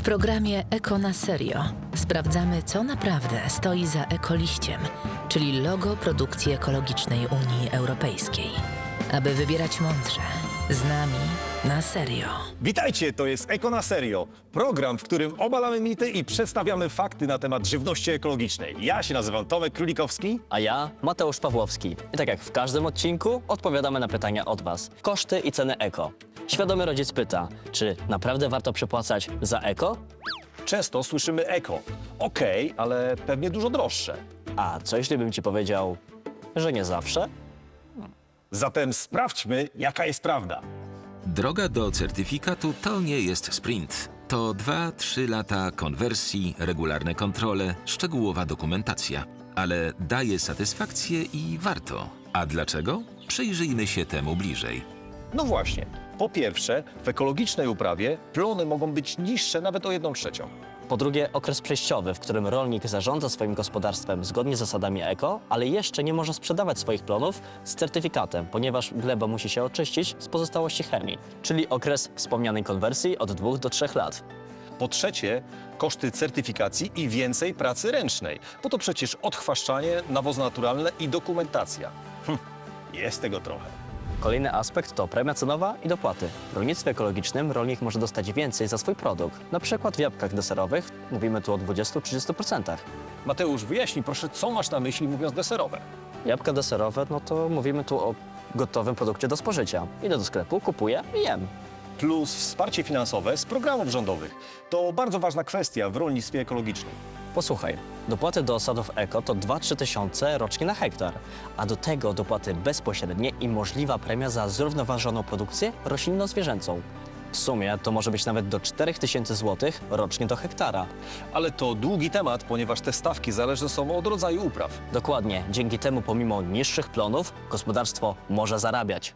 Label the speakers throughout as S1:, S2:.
S1: programie Eko na serio sprawdzamy, co naprawdę stoi za ekoliściem, czyli logo produkcji ekologicznej Unii Europejskiej. Aby wybierać mądrze, z nami na serio.
S2: Witajcie, to jest Eko na serio. Program, w którym obalamy mity i przedstawiamy fakty na temat żywności ekologicznej. Ja się nazywam Tomek Królikowski.
S3: A ja, Mateusz Pawłowski. I tak jak w każdym odcinku, odpowiadamy na pytania od Was. Koszty i ceny eko. Świadomy rodzic pyta, czy naprawdę warto przepłacać za eko?
S2: Często słyszymy eko. Okej, ale pewnie dużo droższe.
S3: A co jeśli bym Ci powiedział, że nie zawsze?
S2: Zatem sprawdźmy, jaka jest prawda.
S4: Droga do certyfikatu to nie jest sprint. To 2-3 lata konwersji, regularne kontrole, szczegółowa dokumentacja. Ale daje satysfakcję i warto. A dlaczego? Przyjrzyjmy się temu bliżej.
S2: No właśnie. Po pierwsze, w ekologicznej uprawie plony mogą być niższe nawet o 1/3.
S3: Po drugie, okres przejściowy, w którym rolnik zarządza swoim gospodarstwem zgodnie z zasadami eko, ale jeszcze nie może sprzedawać swoich plonów z certyfikatem, ponieważ gleba musi się oczyścić z pozostałości chemii, czyli okres wspomnianej konwersji od 2 do 3 lat.
S2: Po trzecie, koszty certyfikacji i więcej pracy ręcznej, bo to przecież odchwaszczanie, nawozy naturalne i dokumentacja. Jest tego trochę.
S3: Kolejny aspekt to premia cenowa i dopłaty. W rolnictwie ekologicznym rolnik może dostać więcej za swój produkt. Na przykład w jabłkach deserowych mówimy tu o 20-30%.
S2: Mateusz, wyjaśnij proszę, co masz na myśli mówiąc deserowe?
S3: Jabłka deserowe, no to mówimy tu o gotowym produkcie do spożycia. Idę do sklepu, kupuję i jem.
S2: Plus wsparcie finansowe z programów rządowych. To bardzo ważna kwestia w rolnictwie ekologicznym.
S3: Posłuchaj, dopłaty do osadów eko to 2-3 tysiące rocznie na hektar, a do tego dopłaty bezpośrednie i możliwa premia za zrównoważoną produkcję roślinno-zwierzęcą. W sumie to może być nawet do 4000 zł rocznie do hektara.
S2: Ale to długi temat, ponieważ te stawki zależne są od rodzaju upraw.
S3: Dokładnie, dzięki temu pomimo niższych plonów gospodarstwo może zarabiać.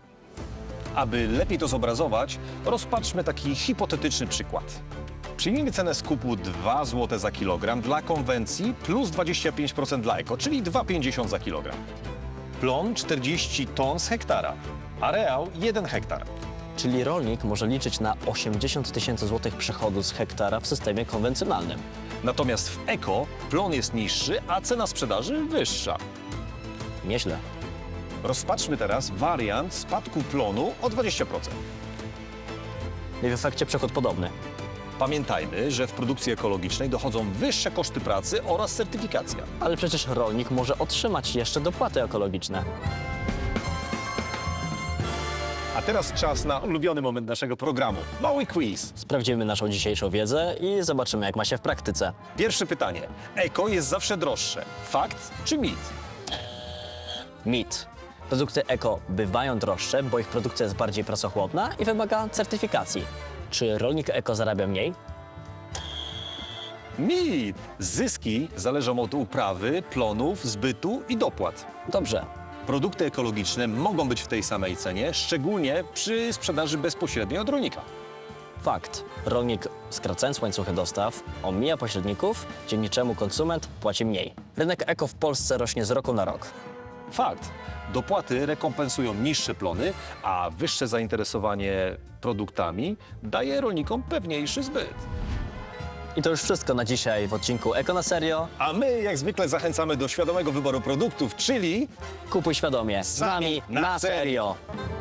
S2: Aby lepiej to zobrazować, rozpatrzmy taki hipotetyczny przykład. Przyjmijmy cenę skupu 2 zł za kilogram dla konwencji plus 25% dla eko, czyli 2,50 za kilogram. Plon 40 ton z hektara, areał 1 hektar.
S3: Czyli rolnik może liczyć na 80 tysięcy złotych przychodu z hektara w systemie konwencjonalnym.
S2: Natomiast w eko plon jest niższy, a cena sprzedaży wyższa.
S3: Nieźle.
S2: Rozpatrzmy teraz wariant spadku plonu o 20%.
S3: I w efekcie przechód podobny.
S2: Pamiętajmy, że w produkcji ekologicznej dochodzą wyższe koszty pracy oraz certyfikacja.
S3: Ale przecież rolnik może otrzymać jeszcze dopłaty ekologiczne.
S2: A teraz czas na ulubiony moment naszego programu. Mały quiz.
S3: Sprawdzimy naszą dzisiejszą wiedzę i zobaczymy, jak ma się w praktyce.
S2: Pierwsze pytanie. Eko jest zawsze droższe. Fakt czy mit?
S3: Mit. Produkty eko bywają droższe, bo ich produkcja jest bardziej pracochłonna i wymaga certyfikacji. Czy rolnik eko zarabia mniej?
S2: Mit. Zyski zależą od uprawy, plonów, zbytu i dopłat.
S3: Dobrze.
S2: Produkty ekologiczne mogą być w tej samej cenie, szczególnie przy sprzedaży bezpośredniej od rolnika.
S3: Fakt. Rolnik, skracając łańcuchy dostaw, omija pośredników, dzięki czemu konsument płaci mniej. Rynek eko w Polsce rośnie z roku na rok.
S2: Fakt. Dopłaty rekompensują niższe plony, a wyższe zainteresowanie produktami daje rolnikom pewniejszy zbyt.
S3: I to już wszystko na dzisiaj w odcinku Eko na serio.
S2: A my, jak zwykle, zachęcamy do świadomego wyboru produktów, czyli
S3: Kupuj świadomie. Z nami na serio.